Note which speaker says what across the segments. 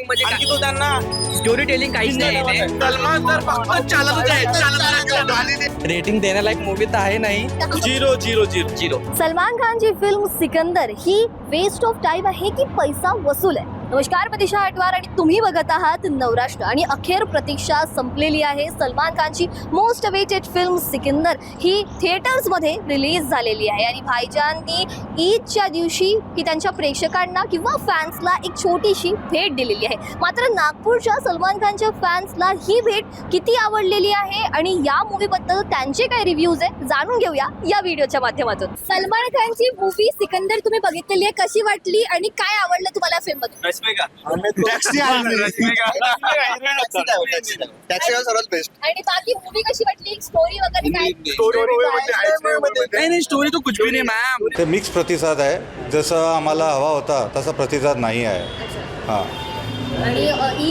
Speaker 1: मध्ये
Speaker 2: आणखी तो त्यांना
Speaker 1: स्टोरी टेलिंग काहीच नाही.
Speaker 2: सलमान तर फक्त चालतच आहे.
Speaker 1: रेटिंग देण्यालायक मूवी तर आहे नाही.
Speaker 2: 0-0-0
Speaker 3: सलमान खानची फिल्म सिकंदर ही वेस्ट ऑफ टाइम आहे की पैसा वसूल आहे? नमस्कार, प्रतीक्षा आटवार आणि तुम्ही बघत आहात नवराष्ट्र. आणि अखेर प्रतीक्षा संपलेली आहे. सलमान खानची मोस्ट अवेटेड फिल्म सिकंदर ही थिएटर्समध्ये रिलीज झालेली आहे आणि भाईजाननी ईदच्या दिवशी ही त्यांच्या प्रेक्षकांना किंवा फॅन्सला एक छोटीशी भेट दिलेली आहे. मात्र नागपूरच्या सलमान खानच्या फॅन्सला ही भेट किती आवडलेली आहे आणि या मूवीबद्दल त्यांचे काय रिव्ह्यूज आहे जाणून घेऊया या व्हिडिओच्या माध्यमातून. सलमान खानची मूवी सिकंदर तुम्ही बघितलेली आहे, कशी वाटली आणि काय आवडलं तुम्हाला फिल्ममध्ये?
Speaker 2: टॅक्सी सर्वात बेस्ट.
Speaker 3: आणि बाकी मूवी कशी वाटली, स्टोरी वगैरे काय?
Speaker 2: नाही स्टोरी तो कुछ भी नाही मॅम.
Speaker 4: ते मिक्स प्रतिसाद आहे. जसं आम्हाला हवा होता तसा प्रतिसाद नाही आहे. हां,
Speaker 3: आणि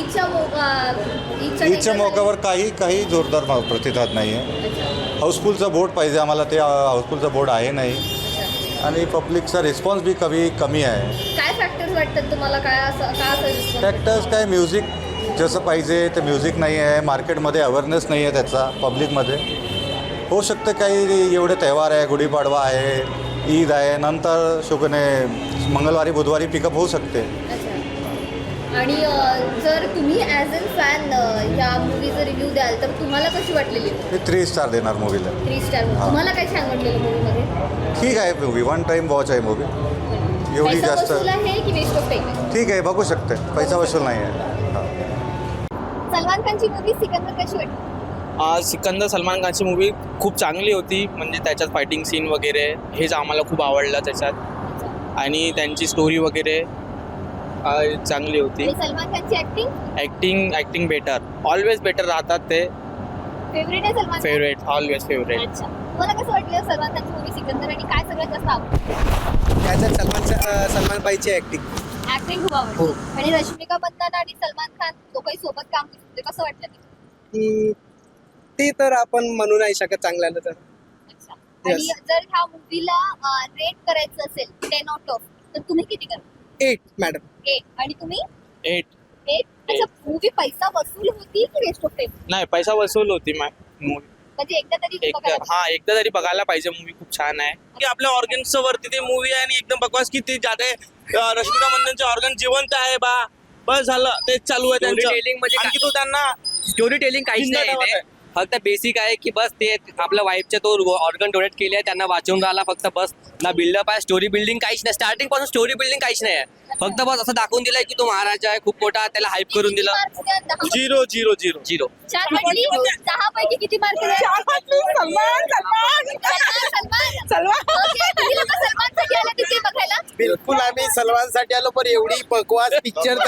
Speaker 4: ईदच्या मौक्यावर काही जोरदार प्रतिसाद नाही आहे. हाऊसफुलचा बोर्ड पाहिजे आम्हाला, ते हाऊसफुलचा बोर्ड आहे नाही. आणि पब्लिकचा रिस्पॉन्स बी कमी आहे.
Speaker 3: काय फॅक्टर्स वाटतात तुम्हाला? काय असं
Speaker 4: फॅक्टर्स काय, म्युझिक जसं पाहिजे ते म्युझिक नाही आहे. मार्केटमध्ये अवेअरनेस नाही आहे त्याचा पब्लिकमध्ये. होऊ शकतं काही एवढे त्यौहार आहे, गुढीपाडवा आहे, ईद आहे, नंतर शुकने मंगळवारी बुधवारी पिकअप होऊ शकते.
Speaker 3: आणि जर तुम्ही ॲज अ फॅन या मूवीचं रिव्ह्यू द्याल तर तुम्हाला कशी वाटलेली?
Speaker 4: मी 3 स्टार देणार मूवीला.
Speaker 3: 3 स्टार. तुम्हाला काय छान वाटलेलं मूवीमध्ये?
Speaker 4: ठीक आहे मूवी, 1 टाइम वॉच आहे मूवी. एवढी
Speaker 3: पैसा
Speaker 4: जास्त
Speaker 3: वसूल आहे की वेस्ट ऑफ टाइम?
Speaker 4: ठीक आहे, बघू शकते. पैसा वसूल नाही आहे. हां.
Speaker 3: सलमान खानची मूवी सिकंदर कशी वाटली?
Speaker 2: सिकंदर सलमान खानची मूवी खूप चांगली होती. म्हणजे त्याच्यात फायटिंग सीन वगैरे हेच आम्हाला खूप आवडलं त्याच्यात. आणि त्यांची स्टोरी वगैरे चांगली होती.
Speaker 3: आणि सलमान खानची
Speaker 2: ॲक्टिंग बेटर, ऑलवेज बेटर राहतात ते.
Speaker 3: फेवरेट आहे सलमान?
Speaker 2: Favourite, always favourite.
Speaker 3: अच्छा, मला कसं वाटलं सलमान खानची मूवी सिकंदर आणि काय सगळ्यात जास्त आवडलं?
Speaker 5: त्याच्यात सलमान बाईची ऍक्टिंग
Speaker 3: खूप आवडली. आणि रश्मिका मंदाना आणि सलमान खान दोघंही सोबत काम करते, कसं वाटलं ते?
Speaker 5: ती तर आपण म्हणू नाही शकत चांगल्यानं तर.
Speaker 3: अच्छा. आणि जर ह्या मूवीला रेट करायचं असेल 10 आउट ऑफ तर तुम्ही किती कराल?
Speaker 5: 8 मॅडम.
Speaker 3: 8. आणि तुम्ही?
Speaker 2: 8.
Speaker 3: 8. अच्छा, मूवी पैसा वसूल होती की वेस्ट ऑफ टाइम?
Speaker 2: नाही, पैसा वसूल होती मूवी.
Speaker 3: म्हणजे एकदा तरी बघायला.
Speaker 2: एकदा तरी बघायला पाहिजे. मूवी खूप छान आहे की आपल्या ऑर्गन्स वरती ते मूवी आहे. आणि एकदम बकवास की ते जाते. रश्मिका मंदानाचे ऑर्गन जिवंत आहे बा, बस झालं, तेच चालू आहे त्यांचं.
Speaker 1: Storytelling मध्ये
Speaker 2: आणखी तो त्यांना
Speaker 1: स्टोरी टेलिंग काहीच
Speaker 2: जिंदा
Speaker 1: नाही.
Speaker 2: ठेवत आहे.
Speaker 1: फक्त बेसिक आहे की बस ते आपल्या वाईफचे तो ऑर्गन डोनेट केले आहे, त्यांना वाचवून राहिला फक्त. बस ना बिल्डअप आहे, स्टोरी बिल्डिंग काहीच नाही. स्टार्टिंग पासून स्टोरी बिल्डिंग काहीच नाही आहे. फक्त बस असं दाखवून दिलंय की तो महाराजा आहे खूप मोठा, त्याला हाईप करून दिलं.
Speaker 2: 0-0-0
Speaker 1: 0.
Speaker 3: छान वाटली. 10 पैकी किती मार्क? सलमानसाठी आला तिथे बघायला?
Speaker 5: बिलकुल आम्ही सलमानसाठी आलो, पण एवढी बकवास पिक्चर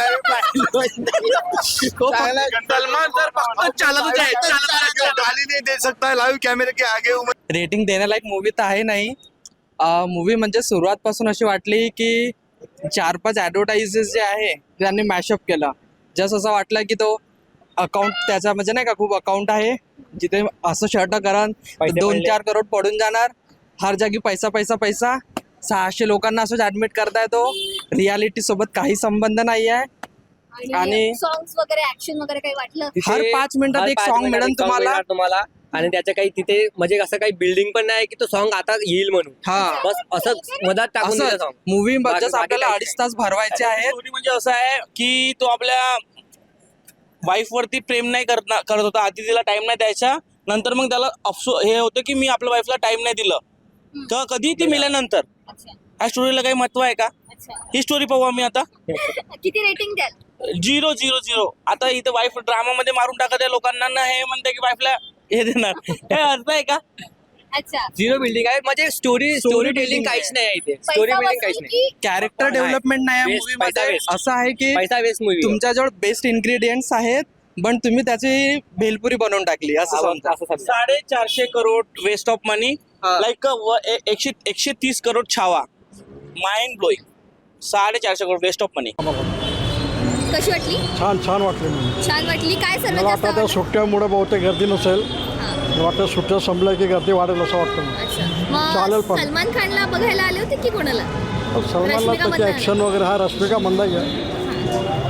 Speaker 2: सलमान तर फक्त चालतच आहे. गाली नाही दे सकता लाईव्ह कॅमेरे के आगे.
Speaker 1: रेटिंग देण्यालायक मूवी तर आहे नाही. मूवी म्हणजे सुरुवातपासून अशी वाटली की 4-5 ॲडव्हर्टाइजेस जे आहे त्यांनी मॅशअप केलं. जस्ट असं वाटलं की तो अकाउंट त्याचा म्हणजे नाही का खूप अकाउंट आहे जिथे असं शर्ट करण 2-4 करोड पडून जाणार. हर जागी पैसा पैसा पैसा. 600 लोकांना असंच ऍडमिट करताय. तो रियालिटी सोबत काही संबंध नाही आहे. आणि
Speaker 3: सॉंग्स वगैरे, ऍक्शन वगैरे काही वाटलं?
Speaker 1: हर 5 मिनिटात एक सॉन्ग मिळेल तुम्हाला.
Speaker 6: आणि त्याच्या काही तिथे म्हणजे असं काही बिल्डिंग पण नाही की तो सॉन्ग आता येईल म्हणून.
Speaker 1: हा,
Speaker 6: बस असं मधात टाकून दिलं सॉन्ग.
Speaker 1: मूवी
Speaker 6: बाकी
Speaker 1: आपल्याला
Speaker 6: काही
Speaker 1: 2.5 तास भरवायचे आहेत.
Speaker 2: स्टोरी म्हणजे असं आहे की तो आपल्या वाईफ वरती प्रेम नाही करत होता. आधी तिला टाइम नाही द्यायचा. नंतर मग त्याला हे होतं की मी आपल्या वाईफला टाइम नाही दिलं तर कधी ती मेल्यानंतर.
Speaker 3: अच्छा.
Speaker 2: ह्या स्टोरीला काही महत्व आहे का?
Speaker 3: अच्छा.
Speaker 2: ही स्टोरी पाहू आम्ही आता.
Speaker 3: किती रेटिंग द्याल?
Speaker 2: 0-0-0. आता इथे वाईफ ड्रामा मध्ये मारून टाकत आहे लोकांना ना. हे म्हणते की वाईफला हे देणार. हे अर्थ आहे का?
Speaker 3: अच्छा.
Speaker 6: 0 बिल्डिंग आहे म्हणजे स्टोरी टेलिंग काहीच नाही आहे इथे. स्टोरी
Speaker 3: पैसा
Speaker 6: बिल्डिंग काहीच
Speaker 3: वसूल
Speaker 6: नाही.
Speaker 3: की
Speaker 1: कॅरेक्टर डेव्हलपमेंट नाही आहे
Speaker 6: Waste,
Speaker 1: मूवी
Speaker 6: पैसा
Speaker 1: मध्ये.
Speaker 6: waste.
Speaker 1: असं आहे की
Speaker 6: पैसा वेस्ट मूवी.
Speaker 1: तुमच्याजवळ बेस्ट इन्ग्रेडियंट्स आहेत पण तुम्ही त्याची भेलपुरी बनवून टाकली असं समजा.
Speaker 2: 450 crore waste of money. Like 130 crore Chhaava. Mind blowing. 450 crore waste of money.
Speaker 3: कशी वाटली?
Speaker 7: छान वाटली मला.
Speaker 3: छान वाटली. काय
Speaker 7: मला
Speaker 3: सर्वात
Speaker 7: वाटतं
Speaker 3: जास्त
Speaker 7: त्या सुट्ट्यामुळे बहुतेक गर्दी नसेल. मला वाटतं सुट्ट्या संपल्या की गर्दी वाढेल असं वाटतं मला.
Speaker 3: अच्छा.
Speaker 7: चालेल
Speaker 3: मग
Speaker 7: पण.
Speaker 3: सलमान खानला बघायला आले होते की कोणाला?
Speaker 7: सलमानला
Speaker 3: रश्मिका
Speaker 7: त्याची
Speaker 3: मंदाना.
Speaker 7: ॲक्शन वगैरे हा रश्मिका मंदाना आहे.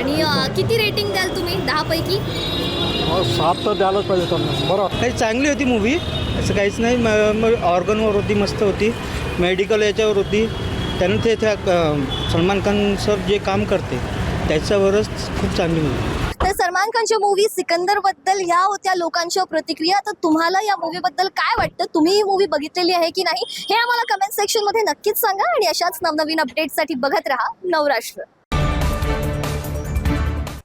Speaker 3: आणि किती रेटिंग द्याल तुम्ही 10 पैकी?
Speaker 7: 7 तर द्यायलाच पाहिजे त्यांना. बरं
Speaker 8: काही चांगली होती मूवी, असं काहीच नाही. मग ऑर्गनवर होती, मस्त होती. मेडिकल याच्यावर होती. त्यानं त्या सलमान खान सर जे काम करते त्याच्यावरच खूप चांगली मूवी.
Speaker 3: तर सलमान खानच्या मूवी सिकंदर बद्दल ह्या होत्या लोकांच्या प्रतिक्रिया. तर तुम्हाला या मूवी बद्दल काय वाटतं? तुम्ही ही मूवी बघितलेली आहे की नाही हे आम्हाला कमेंट सेक्शन मध्ये नक्कीच सांगा. आणि अशाच नवनवीन अपडेटसाठी बघत राहा नवराष्ट्र.